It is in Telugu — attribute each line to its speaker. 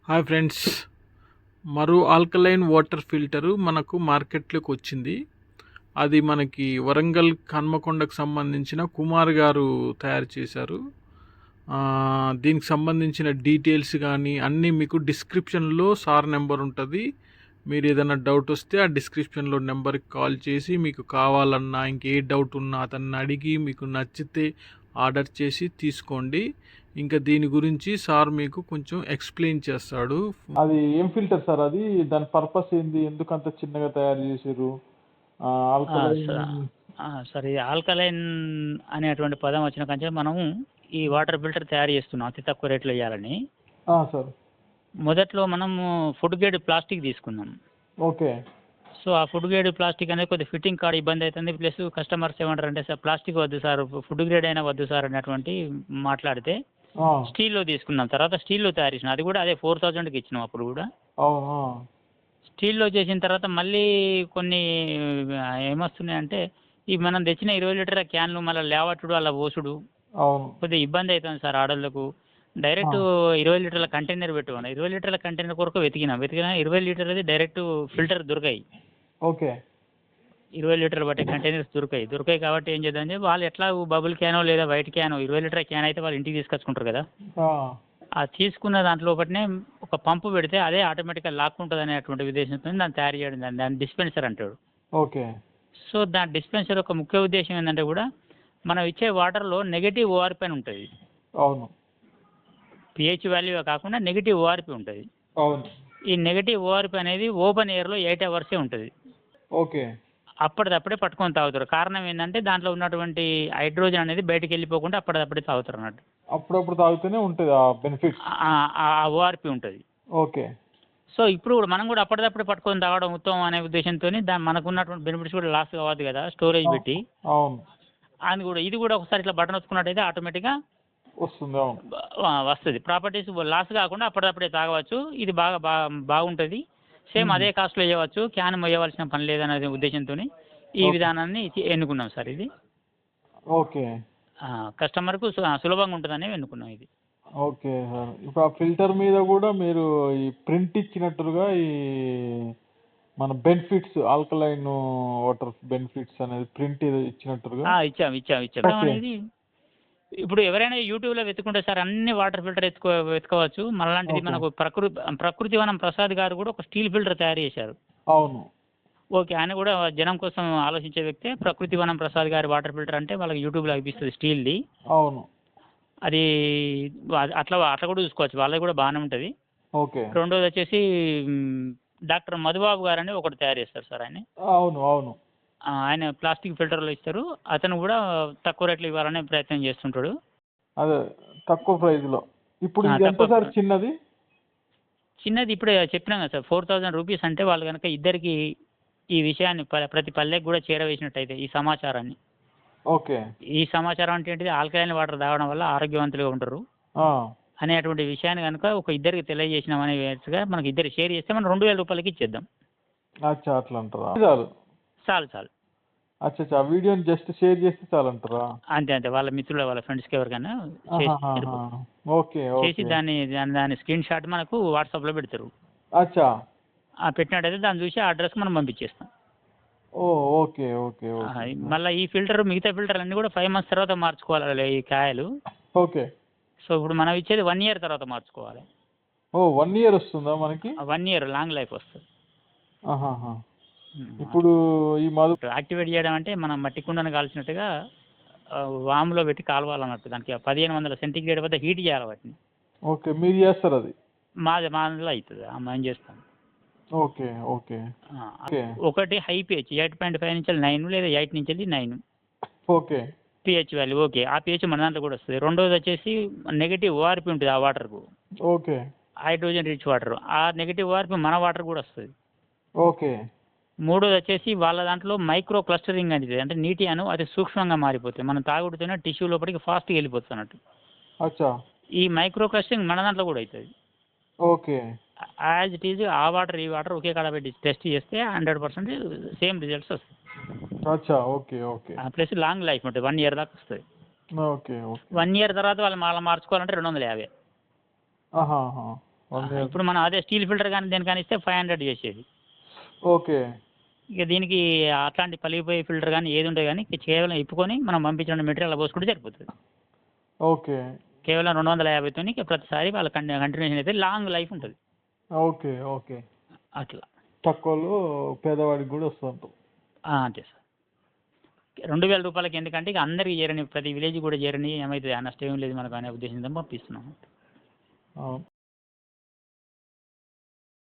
Speaker 1: హాయ్ ఫ్రెండ్స్, మరో ఆల్కలైన్ వాటర్ ఫిల్టరు మనకు మార్కెట్లోకి వచ్చింది. అది మనకి వరంగల్ హన్మకొండకు సంబంధించిన కుమార్ గారు తయారు చేశారు. దీనికి సంబంధించిన డీటెయిల్స్ కానీ అన్నీ మీకు డిస్క్రిప్షన్లో సార్ నెంబర్ ఉంటుంది. మీరు ఏదైనా డౌట్ వస్తే ఆ డిస్క్రిప్షన్లో నెంబర్కి కాల్ చేసి మీకు కావాలన్నా ఇంకే డౌట్ ఉన్నా అతన్ని అడిగి మీకు నచ్చితే ఆర్డర్ చేసి తీసుకోండి. ఇంకా దీని గురించి సార్ మీకు కొంచెం ఎక్స్ప్లెయిన్ చేస్తాడు.
Speaker 2: అది ఏం ఫిల్టర్ సార్? అది దాని పర్పస్ ఏంది? ఎందుకు అంత చిన్నగా తయారు చేసారు? ఆల్కలైన్.
Speaker 3: సార్ ఈ ఆల్కలైన్ అనేటువంటి పదం వచ్చిన కంటే మనం ఈ వాటర్ ఫిల్టర్ తయారు చేస్తున్నాం అతి తక్కువ రేట్లో ఇవ్వాలని.
Speaker 2: సార్
Speaker 3: మొదట్లో మనము ఫుడ్ గ్రేడ్ ప్లాస్టిక్ తీసుకున్నాం.
Speaker 2: ఓకే.
Speaker 3: సో ఆ ఫుడ్ గ్రేడ్ ప్లాస్టిక్ అనేది కొద్దిగా ఫిట్టింగ్ కాడ ఇబ్బంది అవుతుంది. ప్లస్ కస్టమర్స్ ఏమంటారంటే సార్ ప్లాస్టిక్ వద్దు సార్, ఫుడ్ గ్రేడ్ అయినా వద్దు సార్ అనేటువంటి మాట్లాడితే స్టీల్లో తీసుకున్నాం. తర్వాత స్టీల్లో తయారు చేసినాం. అది కూడా అదే 4000కి ఇచ్చినాం అప్పుడు కూడా. స్టీల్లో చేసిన తర్వాత మళ్ళీ కొన్ని ఏమొస్తున్నాయంటే ఈ మనం తెచ్చిన 20 లీటర్ల క్యాన్లు మళ్ళీ లేవట్టుడు అలా పోసుడు కొద్దిగా ఇబ్బంది అవుతుంది సార్ ఆడోళ్ళకు. డైరెక్ట్ 20 లీటర్ల కంటైనర్ పెట్టుకున్నాం. 20 లీటర్ల కంటైనర్ కొరకు వెతికినా 20 లీటర్లది డైరెక్ట్ ఫిల్టర్ దొరికాయి.
Speaker 2: ఓకే.
Speaker 3: 20 లీటర్లు బట్టే కంటైనర్స్ దొరికాయి కాబట్టి ఏం చేద్దాం వాళ్ళు ఎట్లా బబుల్ క్యానో లేదా వైట్ క్యానో 20 లీటర్ల క్యాన్ అయితే వాళ్ళు ఇంటికి తీసుకొచ్చుకుంటారు కదా. ఆ తీసుకున్న దాంట్లో ఒకటినే ఒక పంపు పెడితే అదే ఆటోమేటిక్గా లాక్కుంటుంది అనేటువంటి ఉద్దేశంతో దాన్ని తయారు చేయడం, దాన్ని డిస్పెన్సర్ అంటాడు.
Speaker 2: ఓకే.
Speaker 3: సో దాని డిస్పెన్సర్ యొక్క ముఖ్య ఉద్దేశం ఏంటంటే కూడా మనం ఇచ్చే వాటర్లో నెగటివ్ ఓఆర్పి అని ఉంటుంది.
Speaker 2: అవును.
Speaker 3: పిహెచ్ వాల్యూ కాకుండా నెగటివ్ ఓఆర్పి ఉంటుంది.
Speaker 2: అవును.
Speaker 3: ఈ నెగటివ్ ఓఆర్పి అనేది ఓపెన్ ఎయిర్లో 8 అవర్సే ఉంటుంది.
Speaker 2: ఓకే.
Speaker 3: అప్పటిదప్పుడే పట్టుకొని తాగుతారు. కారణం ఏంటంటే దాంట్లో ఉన్నటువంటి హైడ్రోజన్ అనేది బయటకు వెళ్ళిపోకుండా అప్పటిదప్పుడే తాగుతారు అన్నట్టు.
Speaker 2: అప్పుడప్పుడు తాగితేనే ఉంటుంది ఆ బెనిఫిట్,
Speaker 3: ఆ ఓఆర్పి ఉంటుంది.
Speaker 2: ఓకే.
Speaker 3: సో ఇప్పుడు కూడా మనం కూడా అప్పటిదప్పుడే పట్టుకొని తాగడం ఉత్తమం అనే ఉద్దేశంతో మనకున్నటువంటి బెనిఫిట్స్ కూడా లాస్ కావద్దు కదా స్టోరేజ్ పెట్టి.
Speaker 2: అవును.
Speaker 3: అని కూడా ఇది కూడా ఒకసారి ఇట్లా బటన్ వచ్చుకున్నట్టయితే ఆటోమేటిక్గా
Speaker 2: వస్తుంది. అవును,
Speaker 3: వస్తుంది. ప్రాపర్టీస్ లాస్ కాకుండా అప్పటిదప్పుడే తాగవచ్చు. ఇది బాగుంటుంది. సేమ్ అదే కాస్ట్లో వేయవచ్చు. క్యాన్ మొయ్యవలసిన పని లేదనే ఉద్దేశంతో ఈ విధానాన్ని ఎన్నుకున్నాం సార్. ఇది
Speaker 2: ఓకే.
Speaker 3: కస్టమర్కు సులభంగా ఉంటుందని ఎన్నుకున్నాం ఇది.
Speaker 2: Okay sir. ఇప్పుడు ఆ ఫిల్టర్ మీద కూడా మీరు ఈ ప్రింట్ ఇచ్చినట్టుగా ఈ మన బెనిఫిట్స్ ఆల్కలైన్ వాటర్ బెనిఫిట్స్ అనేది ప్రింట్ ఇచ్చినట్టుగా
Speaker 3: ఇచ్చాం అనేది ఇప్పుడు ఎవరైనా యూట్యూబ్లో వెతుకుంటే సార్ అన్ని వాటర్ ఫిల్టర్ వెతుకోవచ్చు. మళ్ళాంటిది మనకు ప్రకృతి వనం ప్రసాద్ గారు కూడా ఒక స్టీల్ ఫిల్టర్ తయారు చేశారు.
Speaker 2: అవును.
Speaker 3: ఓకే. ఆయన కూడా జనం కోసం ఆలోచించే వ్యక్తే. ప్రకృతి వనం ప్రసాద్ గారి వాటర్ ఫిల్టర్ అంటే వాళ్ళకి యూట్యూబ్లో అనిపిస్తుంది స్టీల్ది.
Speaker 2: అవును.
Speaker 3: అది అట్లా కూడా చూసుకోవచ్చు. వాళ్ళది కూడా బాగానే ఉంటుంది.
Speaker 2: ఓకే.
Speaker 3: రెండోది వచ్చేసి డాక్టర్ మధుబాబు గారు అని ఒకటి తయారు చేస్తారు సార్. ఆయన
Speaker 2: అవును. అవును.
Speaker 3: ఆయన ప్లాస్టిక్ ఫిల్టర్లో ఇస్తారు. అతను కూడా తక్కువ రేట్లు ఇవ్వాలనే ప్రయత్నం చేస్తుంటాడు.
Speaker 2: అదే తక్కువ ప్రైస్లో. ఇప్పుడు ఎంత సార్ చిన్నది?
Speaker 3: ఇప్పుడే చెప్పినాం కదా సార్, 4000 రూపీస్. అంటే వాళ్ళు కనుక ఇద్దరికి ఈ విషయాన్ని ప్రతి పల్లెకి కూడా చేరవేసినట్టయితే ఈ సమాచారాన్ని.
Speaker 2: ఓకే.
Speaker 3: ఈ సమాచారం అంటే ఏంటిది, ఆల్కలైన్ వాటర్ తాగడం వల్ల ఆరోగ్యవంతులుగా ఉంటారు అనేటువంటి విషయాన్ని కనుక ఒక ఇద్దరికి తెలియజేసినాం అనేట్టుగా మనకి ఇద్దరు షేర్ చేస్తే మనం 2000 రూపాయలకి ఇచ్చేద్దాం.
Speaker 2: అచ్చా, అట్లా అంటారా?
Speaker 3: చాలు.
Speaker 2: అచ్చా, వీడియోని జస్ట్ షేర్ చేస్తే చాలంటారా?
Speaker 3: అంతే. వాళ్ళ మిత్రులు వాళ్ళ ఫ్రెండ్స్కి ఎవరికైనా
Speaker 2: ఓకే.
Speaker 3: చేసి దాని స్క్రీన్ షాట్ మనకు వాట్సాప్లో పెడతారు.
Speaker 2: అచ్చా.
Speaker 3: పెట్టినట్టయితే దాన్ని చూసి ఆ అడ్రస్కి మనం పంపించేస్తాం.
Speaker 2: ఓకే.
Speaker 3: మళ్ళీ ఈ ఫిల్టర్ మిగతా ఫిల్టర్ అన్నీ కూడా 5 months తర్వాత మార్చుకోవాలి ఈ కాయలు.
Speaker 2: ఓకే.
Speaker 3: సో ఇప్పుడు మనం ఇచ్చేది 1 year తర్వాత మార్చుకోవాలి.
Speaker 2: 1 year వస్తుందా మనకి?
Speaker 3: 1 year లాంగ్ లైఫ్ వస్తుంది.
Speaker 2: ఇప్పుడు ఈ
Speaker 3: యాక్టివేట్ చేయడం అంటే మనం మట్టి కుండను కాల్చినట్టుగా వాములో పెట్టి కాలవాలన్నట్టు. దానికి 1500 సెంటీగ్రేడ్ వద్ద హీట్ చేయాలి వాటిని.
Speaker 2: ఓకే. మీరు చేస్తారు అది?
Speaker 3: మాదిలో అవుతుంది. మేము చేస్తాం.
Speaker 2: ఓకే.
Speaker 3: ఒకటి హై పిహెచ్ 8.5 నుంచి 9 లేదా 8 నుంచి 9
Speaker 2: ఓకే
Speaker 3: పిహెచ్ వాల్యూ. ఓకే. ఆ పిహెచ్ మన దాంట్లో కూడా వస్తుంది. రెండోది వచ్చేసి నెగిటివ్ ఓఆర్పి ఉంటుంది ఆ వాటర్కు.
Speaker 2: ఓకే.
Speaker 3: Hydrogen rich water. ఆ నెగిటివ్ ఓఆర్పి మన వాటర్ కూడా వస్తుంది.
Speaker 2: ఓకే.
Speaker 3: మూడోది వచ్చేసి వాళ్ళ దాంట్లో మైక్రో క్లస్టరింగ్ అనేది, అంటే నీటి అణువు అతి సూక్ష్మంగా మారిపోతుంది. మనం తాగుడుతూనే టిష్యూ లోపలికి ఫాస్ట్గా వెళ్ళిపోతుంది అన్నట్టు.
Speaker 2: అచ్చా.
Speaker 3: ఈ మైక్రో క్లస్టరింగ్ మన దాంట్లో కూడా అవుతుంది.
Speaker 2: ఓకే.
Speaker 3: యాజ్ ఇట్ ఈజ్ ఆ వాటర్ ఈ వాటర్ ఒకే కాడ పెట్టి టెస్ట్ చేస్తే 100% సేమ్ రిజల్ట్స్ వస్తాయి.
Speaker 2: అచ్చా. ఓకే.
Speaker 3: ప్లస్ లాంగ్ లైఫ్ ఉంటుంది. 1 year దాకా వస్తుంది.
Speaker 2: ఓకే.
Speaker 3: 1 year తర్వాత వాళ్ళు మళ్ళీ మార్చుకోవాలంటే 250. ఇప్పుడు మనం అదే స్టీల్ ఫిల్టర్ కానీ దేనికని ఇస్తే 500 చేసేది.
Speaker 2: ఓకే.
Speaker 3: ఇక దీనికి అట్లాంటి పలిగిపోయే ఫిల్టర్ కానీ ఏది ఉంటుంది కానీ కేవలం ఇప్పుకొని మనం పంపించిన మెటీరియల్ పోసుకుంటే సరిపోతుంది.
Speaker 2: ఓకే.
Speaker 3: కేవలం 250తోని ప్రతిసారి వాళ్ళ కంటిన్యూషన్ అయితే లాంగ్ లైఫ్ ఉంటుంది.
Speaker 2: ఓకే. ఓకే.
Speaker 3: అట్లా
Speaker 2: తక్కువలో పేదవాడికి కూడా వస్తుంటాం.
Speaker 3: అంతే సార్. 2000 రూపాయలకి ఎందుకంటే ఇక అందరికి చేరని ప్రతి విలేజ్ కూడా చేరని ఏమవుతుంది నష్టం ఏం లేదు మనకు అనే ఉద్దేశంతో పంపిస్తున్నాం.
Speaker 2: అవును.